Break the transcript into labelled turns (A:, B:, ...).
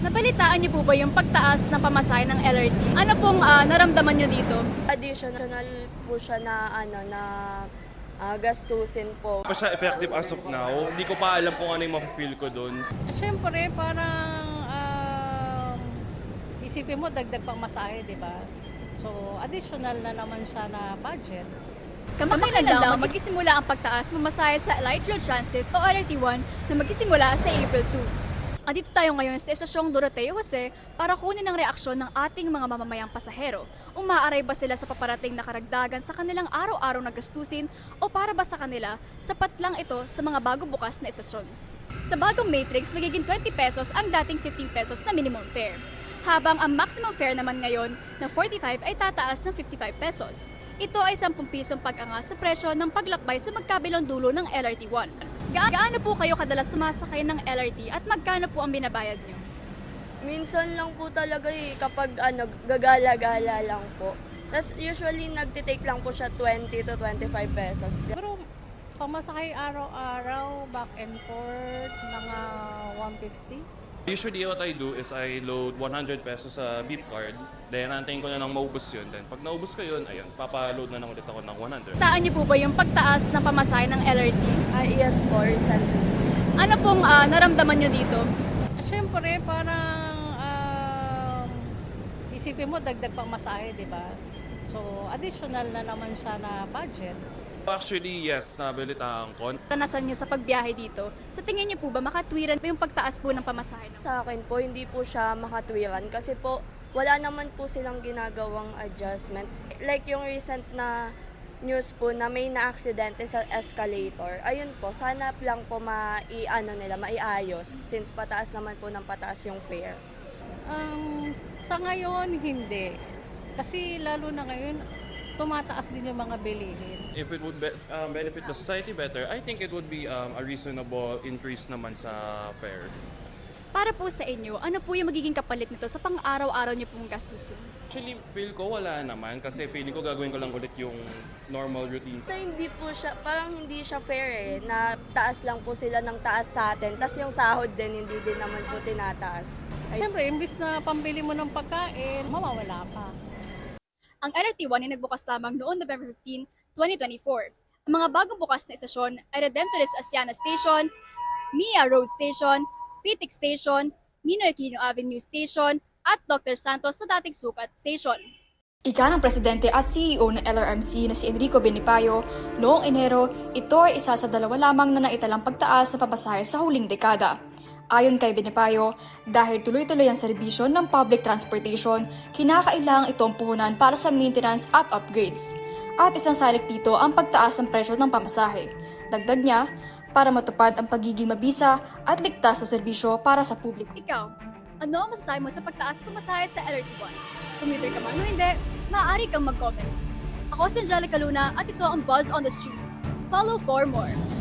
A: Nabalitaan niyo po ba yung pagtaas ng pamasahe ng LRT? Ano pong naramdaman niyo dito?
B: Additional po siya na gastusin po.
C: Pa siya effective as of now. Hindi ko pa alam kung ano yung mafe-feel ko doon.
D: Siyempre, parang isipin mo, dagdag pang masahe, di ba? So, additional na naman siya na budget.
A: Kamakailan lang magsisimula ang pagtaas ng pamasahe sa Light Rail Transit o LRT1 na magsisimula sa April 2. Andito tayo ngayon sa Estasyong Doroteo Jose para kunin ang reaksyon ng ating mga mamamayang pasahero. Umaaray ba sila sa paparating na karagdagan sa kanilang araw-araw na gastusin o para ba sa kanila sapat lang ito sa mga bago bukas na estasyon? Sa bagong Matrix, magiging 20 pesos ang dating 15 pesos na minimum fare. Habang ang maximum fare naman ngayon na 45 ay tataas ng 55 pesos. Ito ay 10 pisong pag-angas sa presyo ng paglakbay sa magkabilang dulo ng LRT1. Gaano po kayo kadalas sumasakay ng LRT at magkano po ang binabayad nyo?
B: Minsan lang po talaga kapag gagala-gala lang po. Tapos usually nagtitake lang po siya 20 to 25 pesos.
D: Pero pamasahe araw-araw, back and forth, mga 150.
C: Usually what I do is I load 100 pesos sa beep card. Then antayin ko na nang maubos yun. Then pag naubos ko yun, ayun, papaload na lang ulit ako ng 100.
A: Taan niyo po ba yung pagtaas ng pamasahe ng LRT?
B: Yes po, recently.
A: Ano pong naramdaman nyo dito?
D: Siyempre, parang isipin mo, dagdag pang masahe, di ba? So, additional na naman siya na budget.
C: Actually, yes, nabalitaan ko.
A: Karanasan nyo sa pagbiyahe dito, sa tingin niyo po ba makatwiran pa yung pagtaas po ng pamasahe?
B: Sa akin po, hindi po siya makatwiran kasi po wala naman po silang ginagawang adjustment. Like yung recent na news po na may na-aksidente sa escalator. Ayun po, sana lang po maiayos since pataas naman po ng pataas yung fare.
D: Sa ngayon, hindi. Kasi lalo na ngayon, tumataas din yung mga bilihin.
C: If it would benefit the society better, I think it would be a reasonable increase naman sa fare.
A: Para po sa inyo, ano po yung magiging kapalit nito sa pang-araw-araw niyo pong gastusin?
C: Actually, feel ko wala naman kasi feeling ko gagawin ko lang ulit yung normal routine.
B: So, hindi po siya, parang hindi siya fair na taas lang po sila ng taas sa atin. Tapos yung sahod din, hindi din naman po tinataas.
D: Siyempre, imbis na pambili mo ng pagkain, mawawala pa.
A: Ang LRT1 ay nagbukas lamang noong November 15, 2024. Ang mga bagong bukas na estasyon ay Redemptorist Asiana Station, Mia Road Station, Pitik Station, Ninoy Aquino Avenue Station, at Dr. Santos na dating Sukat Station. Ika ng presidente at CEO ng LRMC na si Enrico Benipayo, noong Enero, ito ay isa sa dalawa lamang na naitalang pagtaas sa pamasahe sa huling dekada. Ayon kay Benipayo, dahil tuloy-tuloy ang serbisyo ng public transportation, kinakailangang itong puhunan para sa maintenance at upgrades. At isang salik dito ang pagtaas ng presyo ng pamasahe. Dagdag niya, para matupad ang pagiging mabisa at ligtas na serbisyo para sa publiko. Ikaw, ano ang masasabi mo sa pagtaas ng pamasahe sa LRT1? Commuter ka man o hindi, maaari kang mag-comment. Ako si Angelica Luna at ito ang Buzz on the Streets. Follow for more.